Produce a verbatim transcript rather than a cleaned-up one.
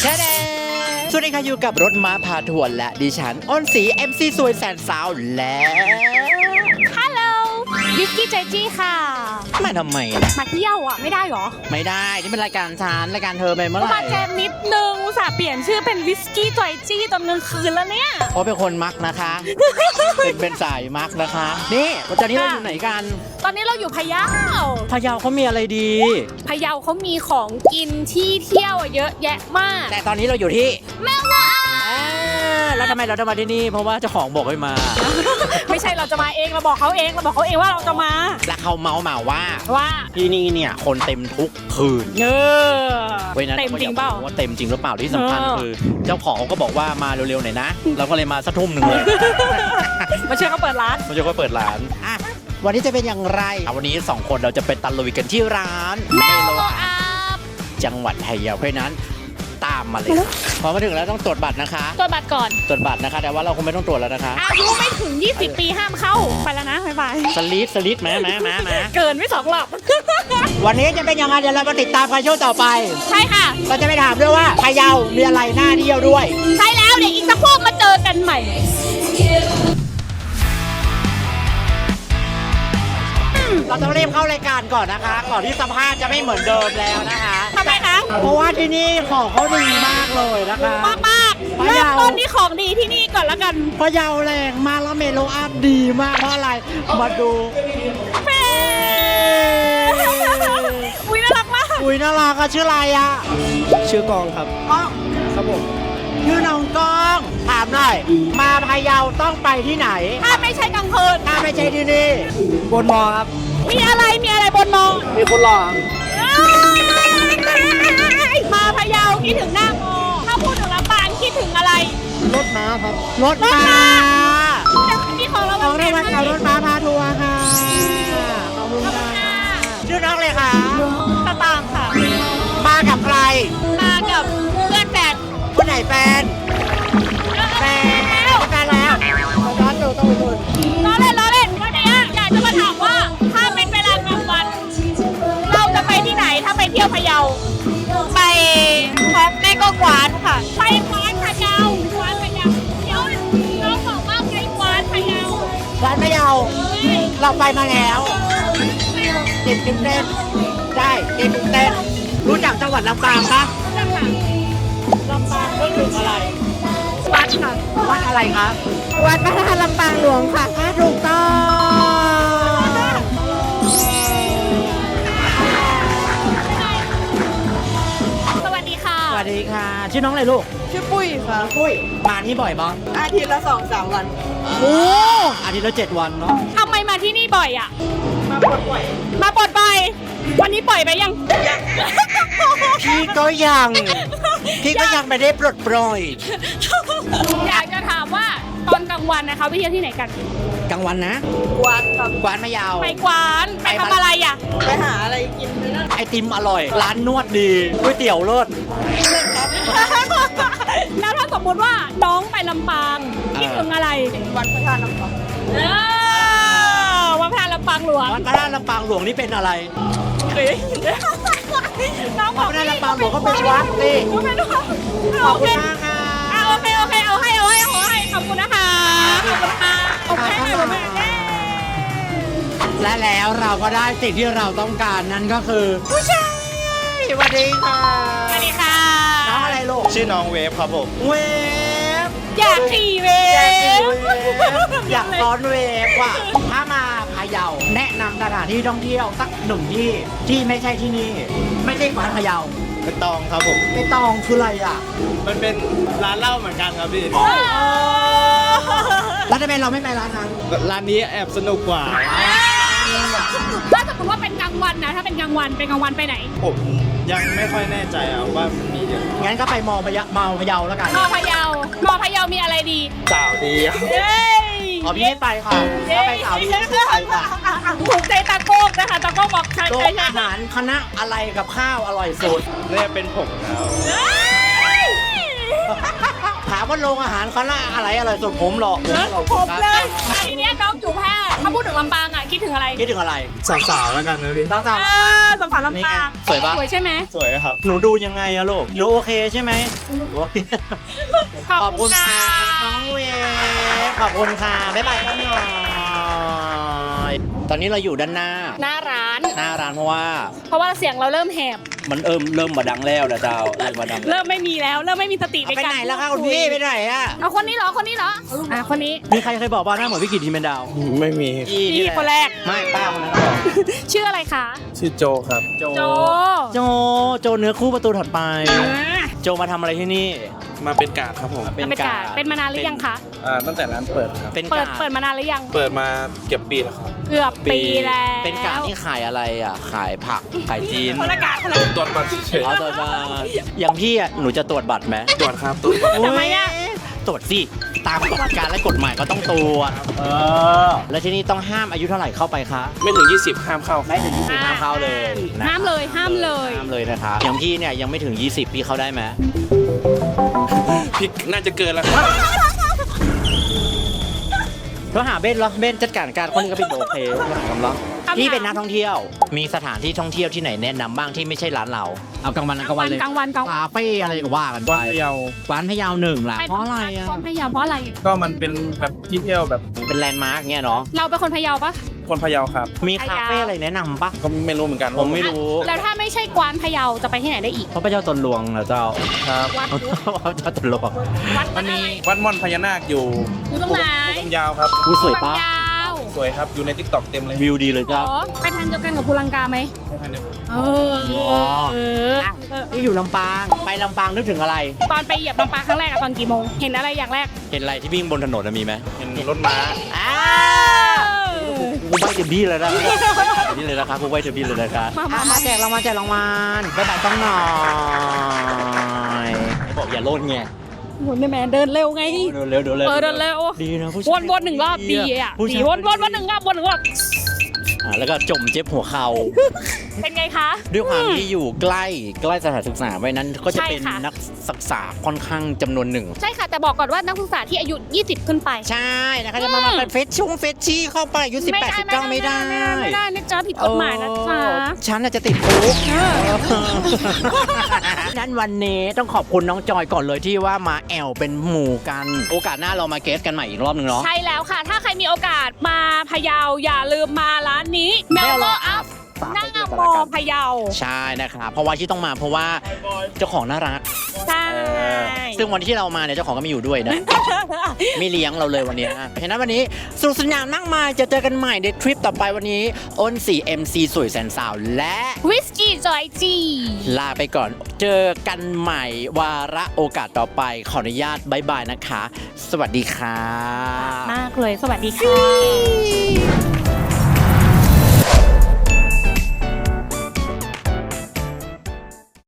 แช่แดงสวัสดีค่ะอยู่กับรถม้าพาทัวร์และดิฉันอ้นสี เอ็ม ซี สวยแสนสาวและฮัลโหลวิสกี้เจจี้ค่ะมาทำไมล่ะมาเที่ยวอ่ะไม่ได้หรอไม่ได้นี่เป็นรายการฉันรายการเธอไปเมื่อไหร่มาแจมนิดนึงอุตส่าห์เปลี่ยนชื่อเป็นวิสกี้จอยจี้ตอนกลางคืนแล้วเนี่ยเพราะเป็นคนมักนะคะ เป็นเป็นสายมักนะคะนี่วันนี้เราอยู่ไหนกันตอนนี้เราอยู่พะเยาพะเยาเขามีอะไรดีพะเยาเขามีของกินที่เที่ยวเยอะแยะมากแต่ตอนนี้เราอยู่ที่แม่วะแล้วทำไมเราจะมาที่นี่เพราะว่าเจ้าของบอกให้มาไม่ใช่เราจะมาเองเราบอกเขาเองเราบอกเขาเองว่าเราจะมาแล้วเขาเมาส์มาว่าว่าที่นี่เนี่ยคนเต็มทุกคืนเออเต็มจริงเปล่าว่าเต็มจริงหรือเปล่าที่สำคัญคือเจ้าของก็บอกว่ามาเร็วๆหน่อยนะเราก็เลยมาสักทุ่มหนึ่งเลยมาช่วยเขาเปิดร้านมาช่วยเขาเปิดร้านอ่ะวันนี้จะเป็นอย่างไรวันนี้สองคนเราจะไปตะลุยกันที่ร้านเมโลอาบจังหวัดพะเยาเพราะนั้นตามมาเลยพอมาถึงแล้วต้องตรวจบัตรนะคะตรวจบัตรก่อนตรวจบัตรนะคะแต่ว่าเราคงไม่ต้องตรวจแล้วนะคะอายุไม่ถึงยี่สิบปีห้ามเข้าไปแล้วนะบ๊ายบายสลิดสลิดแม้แม้แม้แม้เกินไม่สองหลับวันนี้จะเป็นยังไงเดี๋ยวเรามาติดตามกันช่วงต่อไปใช่ค่ะเราจะไปถามด้วยว่าพะเยามีอะไรน่าเที่ยวด้วยใช่แล้วเดี๋ยวอีกสักพวกมาเจอกันใหม่เราต้องรีบเข้ารายการก่อนนะคะก่อนที่สภาพจะไม่เหมือนเดิมแล้วนะคะทำไมคะเพราะว่าที่นี่ของเขาดีมากเลยนะคะมากมากเริ่มต้นที่ของดีที่นี่ก่อนละกันพะเยาแรงมากแล้วเมโลอาร์ตดีมากเพราะอะไรมาดูเฟ้อุ้ยน่ารักมากอุ้ยน่ารักอะชื่ออะไรอะชื่อกองครับก้องครับผมชื่อน้องก้องถามหน่อยมาพะเยาต้องไปที่ไหนถ้าไม่ใช่กลางคืนถ้าไม่ใช่ที่นี่บนมอครับมีอะไรมีอะไรบนมอมีคนหล่อมาพะเยาคิดถึงหน้ามอถ้าพูดถึงลำปางคิดถึงอะไรรถม้าครับรถม้าที่ของเราของเราวันขับรถม้าพาทัวร์ค่ะขอบคุณค่ะชื่อน้องเลยค่ะตะปางค่ะมากับใครมากับเพื่อนแฟนคนไหนแฟนแฟนแฟนแล้วร้อนอยู่ต้องไปดูล้อเล่นล้อเล่นวันนี้อยากจะมาถามว่าถ้าเป็นเวลากลางวันเราจะไปที่ไหนถ้าไปเที่ยวพะเยาไปพักแม่ก็กวานค่ะไปกวานพะเยากวานพะเยาเดี๋ยวน้องบอกว่าไปกวานพะเยากวานพะเยาเราไปมาแล้วติดติดเต้นได้ติดติดเต้นรู้จักจังหวัดลำปางปะรู้จักค่ะลำปางก็ถึงอะไรวัดค่ะวัดอะไรคะวัดพระธาตุลำปางหลวงค่ะถูกต้องสวัสดีค่ะสวัสดีค่ะชื่อน้องอะไรลูกชื่อปุ้ยค่ะปุ้ยมาที่บ่อยบ้างอาทิตย์ละสองสามวันโอ้อาทิตย์ละเจ็ดวันเนาะทำไมมาที่นี่บ่อยอ่ะมาปลดปล่อยมาปลดปล่อยวันนี้ปล่อยไปยังพี่ก็ยังพี่ก็ยังไม่ได้ปลดปล่อยอยากจะถามว่าตอนกลางวันนะคะไปเที่ยวที่ไหนกันกลางวันนะกวานครับกวานพะเยาไปกวานไปทำอะไรอ่ะไปหาอะไรกินไปนั่นไอติมอร่อยร้านนวดดีก๋วยเตี๋ยวเลิศแล้วถ้าสมมติว่าน้องไปลำปางคิดถึงอะไรวัดพระธาตุลำปางวัดพระธาตุลำปางหลวงวัดพระธาตุลำปางหลวงนี่เป็นอะไรน้องบอกวัดพระธาตุลำปางหลวงก็เป็นวัดสิขอบคุณมากค่ะโอเคโอเคเอาให้เอาให้เอาให้ขอบคุณนะคะขอบคุณค่ะโอเคและแล้วเราก็ได้สิ่งที่เราต้องการนั่นก็คือผู้ชายสวัสดีค่ะสวัสดีค่ะน้องอะไรลูกชื่อน้องเวฟครับผมเวฟอยากขี่เวฟอยากซ้อนเวฟว่ะถ้ามาพะเยาแนะนำสถานที่ท่องเที่ยวสักหนึ่งที่ที่ไม่ใช่ที่นี่ไม่ใช่กวานพะเยาเป็นตองครับผมเป็นตองคืออะไรอ่ะมันเป็นร้านเหล้าเหมือนกันครับพี่แล้วทำไมเราไม่ไปร้านนั้นร้านนี้แอบสนุกกว่าถ้าสมมติว่าเป็นกลางวันนะถ้าเป็นกลางวันเป็นกลางวันไปไหนผมยังไม่ค่อยแน่ใจอ่ะว่ามันมีเยอะงั้นก็ไปมอพะเยาเมาพะเยาแล้วกันมอพะเยามอพะเยามีอะไรดีสาวดีเย้ขอพี่ไม่ไปค่ะถ้าไปสาวดีไม่ไปค่ะถูกใจตาโก้นะคะตาโก้บอกใช่ใช่อาหารคณะอะไรกับข้าวอร่อยสุดเนี่ยเป็นผมแล้วถามว่าโรงอาหารคณะอะไรอร่อยสุดผมหรอกผมเลยทีนี้น้องอยู่แพร่ถ้าพูดถึงลำปางอ่ะคิดถึงอะไรคิดถึงอะไรสาวๆแล้วกันนะพี่สาวเออสมผัสลำปางนี่ไงสวยปะสวยใช่ไหมสวยครับๆหนูดูยังไงอะลูกหนูโอเคใช่ไหมโอเคขอบคุณค่ะน้องเวฟขอบคุณค่ะบ๊ายบายครับหน่อยตอนนี้เราอยู่ด้านหน้าหน้าร้านหน้าร้านเพราะว่าเพราะว่าเสียงเราเริ่มแหบมันเอิมเริ่มมาดังแล้วนะเจ้าเริ่มมาดังเริ่มไม่มีแล้ว เริ่มไม่มีสติในไปการไหนแล้วคะคุณพี่ไปไหนอะเอาคนนี้เหรอ คนนี้เหรอ อ่ะ คนนี้มีใครเคยบอกว่าหน้าเหมือนพี่กิตทีมเป็นดาวไม่มีพี่คนแรกไม่ป้าคนนั้นบอกชื่ออะไรคะชื่อโจครับโจโจโจโจเนื้อคู่ประตูถัดไปอ่าโจมาทำอะไรที่นี่มาเป็นกาดครับผมเป็นเป็นกาการรเป็นมานานหรือยังคะอ่าตั้งแต่ร้านเปิดครับเป็นเปิกาดรเปิดมานานหรือยังเปิดมาเก็บปีแล้วครับเกือบปีแล้วเป็นการที่ขายอะไรอ่ะ ขายผัก ขายจีนคนละกาคนละกาตรวจบัตรเฉยเอาตรวจบัตรอย่างพี่อ่ะ หนูจะตรวจบัตรไหมๆตรวจครับตรวจบัตรทำไมอ่ะตรวจสิ ตามกฎการและกฎหมายก็ต้องตรวจเออ แล้วที่นี่ต้องห้ามอายุเท่าไหร่เข้าไปคะไม่ถึง ยี่สิบห้ามเข้าไม่ถึงยี่สิบห้ามเข้าเลยนะห้ามเลย ห้ามเลยห้ามเลยนะคะอย่างพี่เนี่ยยังไม่ถึงยี่สิบพี่เข้าได้ไหมพี่น่าจะเกินแล้วครับเราหาเบนเหรอเบนจัดการการคนนี้ก็เป็นโอเคเราหากำลังคำถามพี่เป็นนักท่องเที่ยว มีสถานที่ท่องเที่ยวที่ไหนแนะนำบ้างที่ไม่ใช่ร้านเรา เอากลางวันกลางวันเลยกลางวันกลางวันคาเฟ่อะไรก็ว่ากันไปวันพะเยาร้านพะเยาหนึ่งล่ะเพราะอะไรอ่ะคนพะเยาเพราะอะไรก็มันเป็นแบบที่เที่ยวแบบเป็นแลนด์มาร์กเงี้ยเนาะเราเป็นคนพะเยาปะคนพะเยาครับมีคาเฟ่อะไรแนะนำปะก็ไม่รู้เหมือนกันผมไม่รู้แล้วถ้าไม่ใช่กวานพะเยาจะไปที่ไหนได้อีกเพราะพระเจ้าตนหลวงนะเจ้าครับวัดพระเจ้าตนหลวงวัดมันมีวัดม่อนพญานาคอยู่อยู่ตรงไหนต้นยาวครับผู้สวยปะยาวสวยครับ อยู่ในทิกตอกเต็มเลยวิวดีเลยอ๋เจ้าอไปทางเดียวกันกับภูลังกาไหมไม่ทันเดียวเออเออเออที่อยู่ลำปาง ไปลำปางนึกถึงอะไรตอนไปเหยียบลำปางครั้งแรกอะตอนกี่โมง เห็นอะไรอย่างแรกเห็นอะไรที่วิ่งบนถนนน่ะมีไหมเห็นรถม้าอ้ากูไปเต็มที่เลยนะนี่เลยนะครับกูไปเต็มที่เลยนะครับมามาอ่ะมาแจกรางวัลแจกรางวัลบ๊ายบายต้องหน่อยบอกอย่าโลดไงหมุนได้ไหมเดินเร็วไงเดินเร็วเดินเร็วเออเดินเร็วดีนะผู้ชายวนวนหนึ่งรอบดีอ่ะผู้ดีชายวนวนวนหนึ่งรอบวนหนึ่งรอบอ่ะแล้วก็จมเจ็บหัวเข่าเป็นไงคะด้วยความที่อยู่ใกล้ใกล้สถานศึกษาไว้นั้นก็จะเป็นใช่ค่ะนักศึกษาค่อนข้างจำนวนหนึ่งใช่ค่ะ แต่บอกก่อนว่านักศึกษาที่อายุ ยี่สิบ ขึ้นไปใช่นะคะจะมามาเป็นเฟชชุ่งเฟชชี่เข้าไปอายุสิบแปดสิบเก้าไม่ได้ไม่ได้นะจ๊ะผิดกฎหมายนะจ๊ะเออฉันน่ะจะติดคุก นั้นวันนี้ต้องขอบคุณน้องจอยก่อนเลยที่ว่ามาแอลเป็นหมู่กัน โอกาสหน้าเรามาเกสกันใหม่อีกรอบหนึ่งเนาะใช่แล้วค่ะ ถ้าใครมีโอกาสมาพะเยาอย่าลืมมาร้านนี้เมลโลอัพหน้าโมพะเยาใช่นะครับเพราะว่าที่ต้องมาเพราะว่าเจ้าของน่ารักใช่เออซึ่งวันที่เรามาเนี่ยเจ้าของก็ไม่อยู่ด้วยนะ ไม่เลี้ยงเราเลยวันนี้นะเพราะฉะนั้นวันนี้สนุกสนานมากมายจะเจอกันใหม่ในทริปต่อไปวันนี้อ้น สี่ เอ็ม ซี สวยแสนสาวและวิสกี้จอยจีลาไปก่อนเจอกันใหม่วาระโอกาสต่อไปขออนุญาตบายบายนะคะ สวัสดีค่ะมากเลยสวัสดีค่ะ